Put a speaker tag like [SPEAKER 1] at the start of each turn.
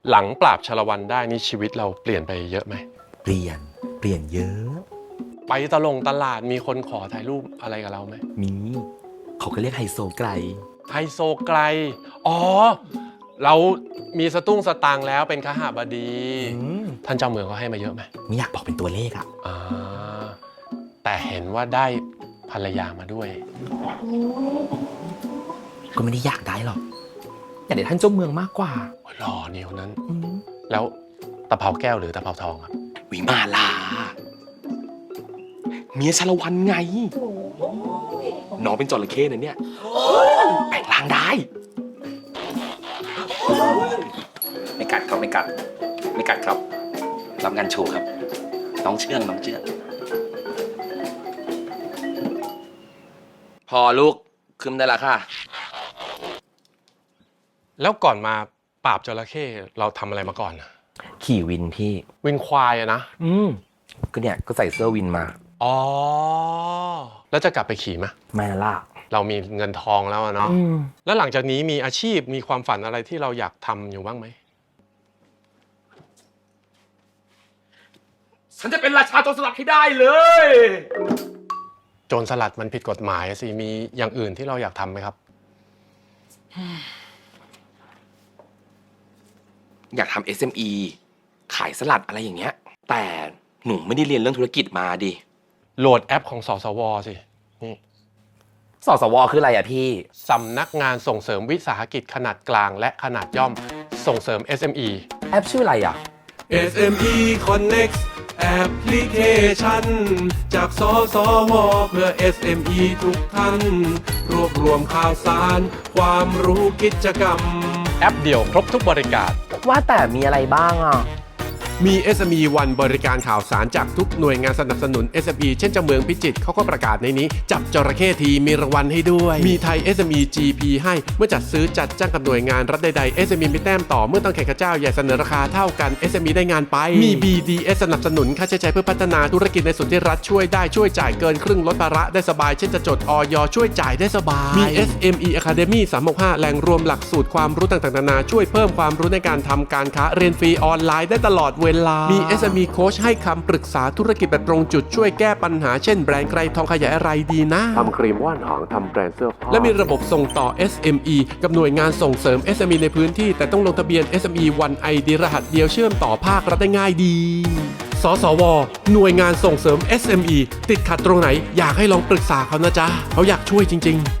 [SPEAKER 1] หลังปราบชาละวันได้นี่ชีวิตเราเปลี่ยนไปเยอะไหม
[SPEAKER 2] เปลี่ยนเยอะ
[SPEAKER 1] ไปตลาดมีคนขอถ่ายรูปอะไรกับเราไหม
[SPEAKER 2] มีเขาก็เรียกไฮโซไกล
[SPEAKER 1] ไฮโซไกลอ๋อเรามีสตุ้งสตางค์แล้วเป็นขหบดีท่านเจ้าเมืองเขาให้มาเยอะไหม
[SPEAKER 2] ไม่อยากบอกเป็นตัวเลขอะ
[SPEAKER 1] แต่เห็นว่าได้ภรรยามาด้วย
[SPEAKER 2] ก็ไม่ได้อยากได้หรอกอยากได้ท่านเจ้าเมืองมากกว่า
[SPEAKER 1] หล่อนิ้วนั้นแล้วตะเภาแก้วหรือตะเภาทองครับ
[SPEAKER 2] วิมาลาเมียชาละวันไงน้องเป็นจระเข้นะเนี่ยแปลงร่างได้ไม่กัดครับไม่กัดครับรับงานโชว์ครับน้องเชื่องพอลูกขึ้นได้ละค่ะ
[SPEAKER 1] แล้วก่อนมาปราบจระเข้เราทำอะไรมาก่อน
[SPEAKER 2] ขี่วินพี่
[SPEAKER 1] วินควายอะนะ
[SPEAKER 2] ก็เนี่ยก็ใส่เสื้อวินมา
[SPEAKER 1] อ๋อแล้วจะกลับไปขี่ไหม
[SPEAKER 2] ไม่ล่ะ
[SPEAKER 1] เรามีเงินทองแล้วเนาะแล้วหลังจากนี้มีอาชีพมีความฝันอะไรที่เราอยากทำอยู่บ้างไหม
[SPEAKER 2] ฉันจะเป็นราชาโจรสลัดให้ได้เลย
[SPEAKER 1] โจรสลัดมันผิดกฎหมายสิมีอย่างอื่นที่เราอยากทำไหมครับ
[SPEAKER 2] อยากทำ SME ขายสลัดอะไรอย่างเงี้ยแต่หนูไม่ได้เรียนเรื่องธุรกิจมาดิ
[SPEAKER 1] โหลดแอปของสสวสินี่
[SPEAKER 2] สสวคืออะไรอะพี่
[SPEAKER 1] สำนักงานส่งเสริมวิสาหกิจขนาดกลางและขนาดย่อมส่งเสริม SME
[SPEAKER 2] แอปชื่ออะไรอะ
[SPEAKER 3] SME Connect แอปพลิเคชันจากสสวเพื่อ SME ทุกท่านรวบรวมข่าวสารความรู้กิจกรรม
[SPEAKER 1] แอปเดียวครบทุกบริการ
[SPEAKER 2] ว่าแต่มีอะไรบ้างอ่ะ
[SPEAKER 3] มี SME วันบริการข่าวสารจากทุกหน่วยงานสนับสนุน SME เช่นเจ้าเมืองพิจิตรเขาก็ประกาศในนี้จับจระเข้ทีมีรางวัลให้ด้วยมีไทย SME GP ให้เมื่อจัดซื้อจัดจ้างกับหน่วยงานรัฐใดๆ SME มีแต้มต่อเมื่อต้องแข่งกับเจ้าใหญ่เสนอราคาเท่ากัน SME ได้งานไปมี BDS สนับสนุนค่าใช้จ่ายเพื่อพัฒนาธุรกิจในส่วนที่รัฐช่วยได้ช่วยจ่ายเกินครึ่งลดภาระได้สบายเช่นจะจดอย.ช่วยจ่ายได้สบายมี SME Academy 365แหล่งรวมหลักสูตรความรู้ต่างๆนานาช่วยเพิ่มความรู้ในการทำการค้าเรียนฟรีออนไลน์ได้ตลอดเวลามี SME Coach ให้คำปรึกษาธุรกิจแบบตรงจุดช่วยแก้ปัญหาเช่นแบรนด์ไกรทองขยายอะไรดีนะ
[SPEAKER 1] ทำครีมว่านหางทำแบรนด์เสื้อผ้า
[SPEAKER 3] และมีระบบส่งต่อ SME กับหน่วยงานส่งเสริม SME ในพื้นที่แต่ต้องลงทะเบียน SME วันไอดีรหัสเดียวเชื่อมต่อภาครัฐได้ง่ายดีสสวหน่วยงานส่งเสริม SME ติดขัดตรงไหนอยากให้ลองปรึกษาเขานะจ๊ะเขาอยากช่วยจริงๆ